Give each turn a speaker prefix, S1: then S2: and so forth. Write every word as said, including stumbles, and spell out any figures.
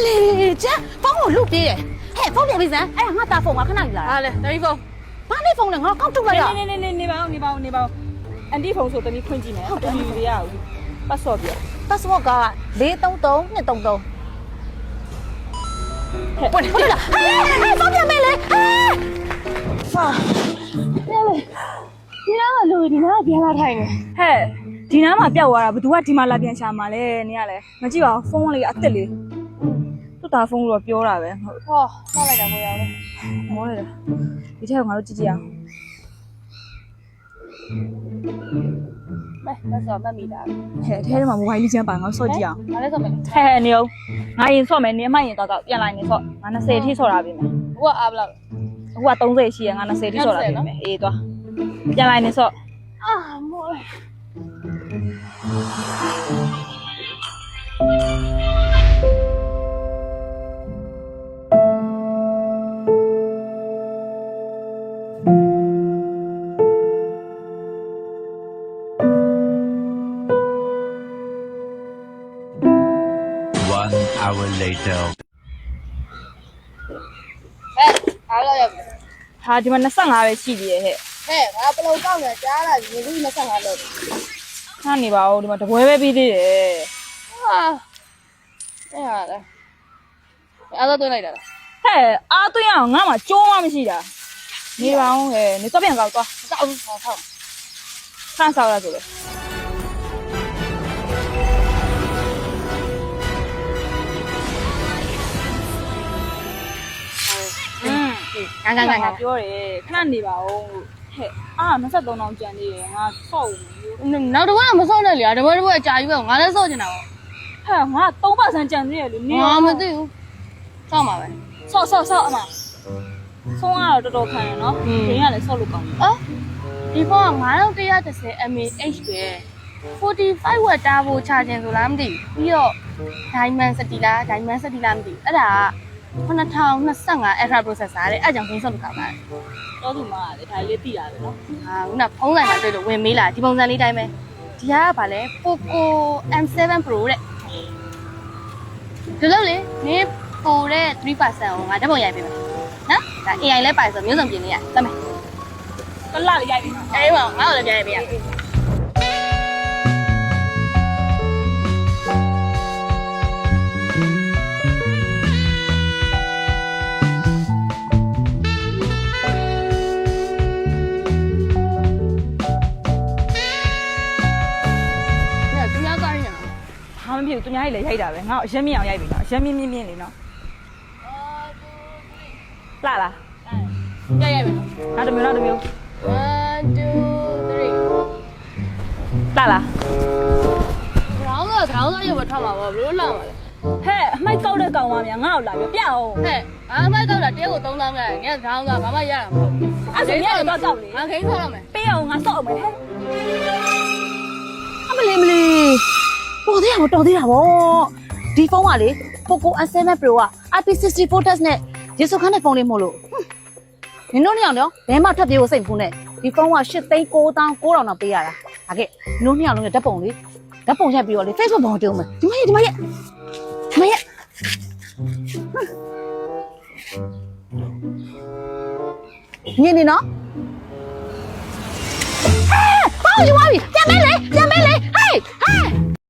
S1: လေကျဖုန်းကိုလုပြေးတယ်ဟဲ့ဖုန်းပြန်ပြီးစမ်းအဲ့ဒါငါတာဖုန်းကခဏယူလာ
S2: ဟာလေတမီးဖုန်း
S1: ဘာနဲ့ဖုန်းလဲငါကောက်ထုတ်လိုက်ရ
S2: နေနေနေနေပါဦးနေပါဦးနေပါဦးအန်တီဖုန်းဆိုတမီးခွင့်ကြည့်မယ်တမီးရအောင်ပတ်စော့ပြ
S1: password ကလေးသုံးသုံးနှစ်သုံးသုံးဟဲ့ဟုတ်လားဟဲ့ဟဲ့ဖုန်းပြန်မေးလေဟဲ့ဟာလေဒီတော့လူဒီနားပြန်လာထိုင်နေ
S2: ဟဲ့ဒီနားမှာပျောက်သွားတာဘသူကဒီမှာလာပြန်ရှာမှာလဲနေရလဲမကြည့်ပါဘူးဖုန်းလေးအစ်စ်လေးသူ့တာဖုန်းတော့ပြောတာပဲဟုတ်
S1: ဟောမှတ်လိုက်တာကိုရအောင်
S2: မောလိုက်တာဒီထက်ကငါတို့ကြည့်ကြည့်အောင်
S1: မဲမစောမှတ်မိတာ
S2: ဟဲ့အဲထဲမှာမိုဘိုင်းလေးချမ်းပါငါဆော့ကြည့်အောင်
S1: ငါလည်းစောမယ်
S2: ဟဲ့နေအောင်ငါရင်ဆော့မယ်နေအမှရင်တော့တော့ပြန်လာနေဆော့ငါ20အထိဆော့တာပြီမယ်
S1: ဟိုကအားဘလောက်
S2: အခုက30ရှိရငါ20အထိဆော့တာပြီမယ်အေးသွားပြန်လာနေဆော့
S1: အာမိုး
S3: One hour later.
S1: ဟဲ့အားလောက်ရပြီ
S2: ဟာဒီမှာ25ပဲရှိသေးရဲ့ဟဲ့
S1: ဟဲ့ငါပလုံကောက်နေကြားလာပြီလူကြီး25လောက်
S2: ခါနေပါဦးဒီမှာတပွဲပဲပြီးသေးတယ်
S1: ဟာအဲ့ဟာလေအားတော့တွင်းလိုက်တာလား
S2: ဟဲ့အားသွင်းအောင်ငါမှကြိုးမှမရှိတာနေပါဦးဟဲ့နေတော့ပြန်ကောက်သွား
S1: စောက်ဟောဟော
S2: ခန့်ဆောက်ရဆိုလေอืม
S1: ငါငါငါငါ
S2: ပြောတယ်ခဏနေပါဦးဟဲ့အာ23တောင်ကျန်သေးတယ်ငါဆော့ဦးမယ်
S1: နောက်တော့မစောနဲ့လေတပွဲတပွဲအကြာကြီးပဲငါလည်းစောချင်တာပေါ့
S2: ဟဲ့ငါ3%ကျန်သေးတယ်လေနေ
S1: ငါမသိဘူးစောက်မှာပဲ
S2: ဆော့ဆော့ဆော့အမဆုံးကတော့တော်တော်ခံရနော်ဒင်းကလည်းဆော့လို့ကောင်းတယ်
S1: အော်ဒီဖုန်းကnine one one zero mAh ပဲforty-five watt တားဖို့ချခြင်းဆိုလားမသိဘူးပြီးတော့ Diamond City လား Diamond City လားမသိဘူးအဲ့ဒါကtwo thousand twenty-five Ultra processor တဲ့အဲ့ကြောင့်ဖုန်းဆော့လို့ကောင်းတာ
S2: တော့သူမကလေဒါလေးသိရတယ်နော်
S1: ဟာခုနဖုန်းဆိုင်မှာတွေ့လို့ဝင်မေးလာဒီပုံစံလေးတိုင်းပဲဒီကကဗာလဲ Poco M seven Pro တဲ့ဒီလိုလေနင်းပိုတဲ့three percent ကိုငါဓာတ်ပုံရိုက်ပေးမယ်နော်ဒါ A I လဲပါဆိုမျိုးစုံပြင်နေရတတ်မယ်
S2: ကလာလေးရိုက်ပြီနော်
S1: အေးပါငါ့ကိုလည်းပြန်ရိုက်ပေးရ
S2: ဟာမဖြစ်ဘူးသူများကြီးလည်းရိုက်တာပဲငါအရက်မြင့်အောင်ရိုက်ပြီနော်အရက်မြင့်မြင့်မြင့်လေးနော်လာလား
S1: ရိုက်ရိုက်မယ်
S2: နောက်တစ်မျိုးနောက်တစ်မျိုး
S1: one two three
S2: လာလား
S1: ခေါင်းကခေါင်းကရုပ်ပဲထွက်မှာပေါ့ဘလို့လာမှာလဲ
S2: ဟဲ့အမိုက်ကောက်တဲ့ကောင်မများငါ့ကိုလာပြပြအောင်
S1: ဟဲ့ဘာမှမတော့တာတဲကိုသုံးသောင်းခဲ့ငါခေါင်းကဘာမှရတာမဟုတ်
S2: အဲ့ဒါမြင်တော့တောက်လေ
S1: ငါခိန်းဆောက်ရမယ်
S2: ပေးအောင်ငါစော့အောင်မယ်ဟဲ့
S1: အမလေးမလေးတော်သေးတာမတော်သေးတာဗောဒီဖုန်းကလေ Poco M seven Pro က I P sixty-four test နဲ့ရေစုခန်းတဲ့ဖုန်းလေးမို့လို့နင်တို့နှစ်ယောက်နော်ဘယ်မှထပ်ပြေးဖို့စိတ်မကူနဲ့ဒီဖုန်းကeightသိန်းnineသောင်းnineထောင်တော့ပေးရတာဒါကဲနင်တို့နှစ်ယောက်လုံးရဲ့ဓာတ်ပုံလေးဓာတ်ပုံရိုက်ပြီးတော့လေ Facebook ပေါ်တင်အောင်မယ်ဒီမရဲ့ဒီမရဲ့ဒီမရဲ့ညနေနော်ဟဲ့ဘာလို့ယူသွားပြီပြန်မဲလေ